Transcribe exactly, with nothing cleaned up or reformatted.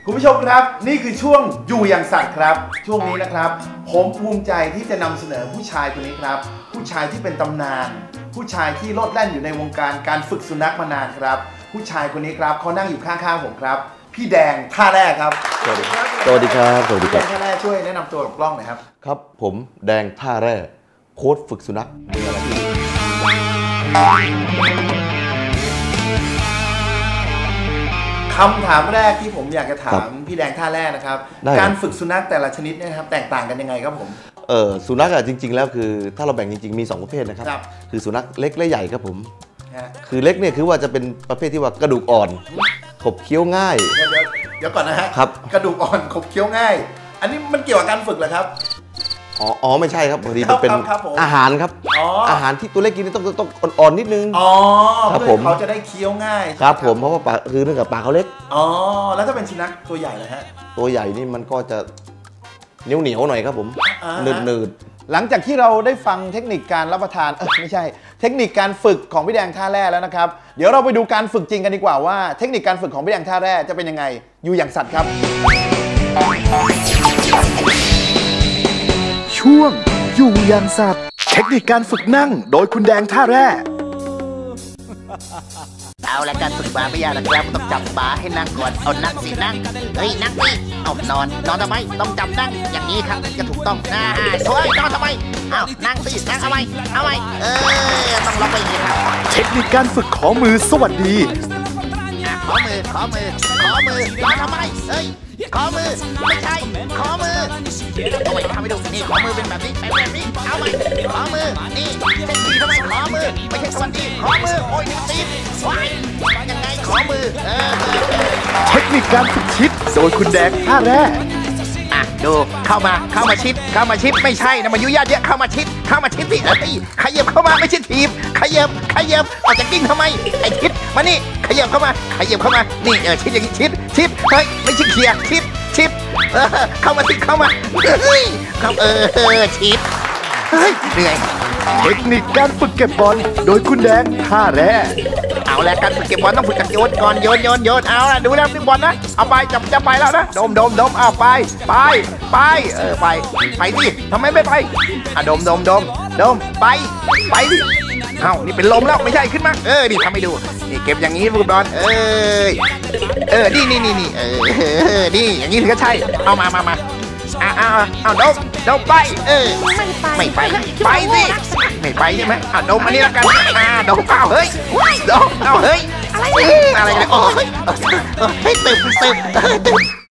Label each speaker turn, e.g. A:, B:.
A: คุณผู้ชมครับนี่คือช่วงอยู่อย่างสัตว์ครับช่วงนี้นะครับผมภูมิใจที่จะนำเสนอผู้ชายคนนี้ครับผู้ชายที่เป็นตำนานผู้ชายที่โลดแล่นอยู่ในวงการการฝึกสุนัขมานานครับผู้ชายคนนี้ครับเขานั่งอยู่ข้างๆผมครับพี่แดงท่าแร่ครับ
B: สวัสดีครับสวัสดีครับสวัสดีครับ
A: พี่แดงท่าแร่ช่วยแนะนำตัวกับกล้องหน่อยครับ
B: ครับผมแดงท่าแร่โค้ชฝึกสุนัขมีอะไรที่
A: คำถามแรกที่ผมอยากจะถามพี่แดงท่าแร่นะครับการฝึกสุนัขแต่ละชนิดเนี่ยครับแตกต่างกันยังไงครับผม
B: เออสุนัขอะจริงๆแล้วคือถ้าเราแบ่งจริงๆมีสองประเภทนะครับคือสุนัขเล็กและใหญ่ครับผมคือเล็กเนี่ยคือว่าจะเป็นประเภทที่ว่ากระดูกอ่อนขบเคี้ยวง่าย
A: เดี๋ยวเดี๋ยวก่อนนะฮะครับกระดูกอ่อนขบเคี้ยวง่ายอันนี้มันเกี่ยวกับการฝึกเหรอครับ
B: อ๋ออ๋อไม่ใช่ครับพอดีมันเป็นอาหารครับอาหารที่ตัวเล็กกินต้องต้องอ่อนๆนิดนึง
A: อ๋อครับผมเขาจะได้เคี้ยวง่าย
B: ครับผมเพราะว่าปากคือเนื่องจากปากเขาเล็ก
A: อ๋อแล้วถ้าเป็นสุนัขตัวใหญ่เลยฮะ
B: ตัวใหญ่นี่มันก็จะเหนียวเหนียวหน่อยครับผมหนืดหนืด
A: หลังจากที่เราได้ฟังเทคนิคการรับประทานเออไม่ใช่เทคนิคการฝึกของพี่แดงท่าแร่แล้วนะครับเดี๋ยวเราไปดูการฝึกจริงกันดีกว่าว่าเทคนิคการฝึกของพี่แดงท่าแร่จะเป็นยังไงอยู่อย่างสัตว์ครับ
C: ช่วงอยู่อย่างสัตว์เทคนิคการฝึกนั่งโดยคุณแดงท่าแร่
D: เอาละการฝึกบาไม่ยากนะครับต้องจับบาให้นั่งก่อนเอานั่งสินั่งเฮ้ยนั่งสิเอานอนนอนทำไมต้องจับนั่งอย่างนี้ครับจะถูกต้องอ่าเฮ้ยนอนทำไมเอานั่งสินั่งเอาไว้เอาไว้เออต้องล็อกไปอย่างนี้ครับ
C: เทคนิคการฝึกขอมือสวัสดี
D: ขอมือขอมือขอมือนอนทำไมเฮ้ยขอมือไม่ใช่ขอมือเอาไว้ทำให้ดูนี่ขอมือเป็นแบบนี้เป็นแบบนี้เอาไว้ขอมือนี่เช็คทีทำไมขอมือไม่ใช่สวัสดีขอมือโอ้ยตีนว้ายยังไงขอมือเออ
C: เทคนิคการฝึกชิดโดยคุณแดงท่าแร่
D: อ่ะดูเข้ามาเข้ามาชิดเข้ามาชิดไม่ใช่นะมายุยาเยอะเข้ามาชิดเข้ามาชิดสิเอ้ยขยับเข้ามาไม่ใช่ทีบขยับขยับออกจากกิ้งทำไมไอ้ชิดมานี่ขยับเข้ามาขยับเข้ามานี่เออชิดอย่างนี้ชิดชิดเฮ้ยไม่ใช่เขี่ยชิดชิดเออเข้ามาสิเข้ามาเฮ้ยเข้าเออชิดเฮ้ยเหนื่อย
C: เทคนิคการฝึกเก็บบอลโดยคุณแดงท่าแร่
D: เอาแล้วการฝึกเก็บบอลต้องฝึกจากโยนก่อนโยนโยนโยนเอาละดูแล้วดึงบอลนะเอาไปจับจะไปแล้วนะดมดมดมเอาไปไปไปเออไปไปสิทำไมไม่ไปอ่ะดมดมดมดมไปไปสิเอ้านี่เป็นลมแล้วไม่ใช่ขึ้นมาเออนี่ทำให้ดูนี่เก็บอย่างนี้ลูกบอลเออเออนี่นี่นี่นี่เออนี่อย่างนี้ถึงจะใช่เอามามามาอ่าอ่าอ่าดมดมไปเออไม่ไปไปสิไม่ไปใช่ไหมอ่าดมอันนี้แล้วกันอ่าดมเปล่าเฮ้ยดมเอาเฮ้ยอะไรอะไรโอ้ยเฮ้ยตึบตึบตึบ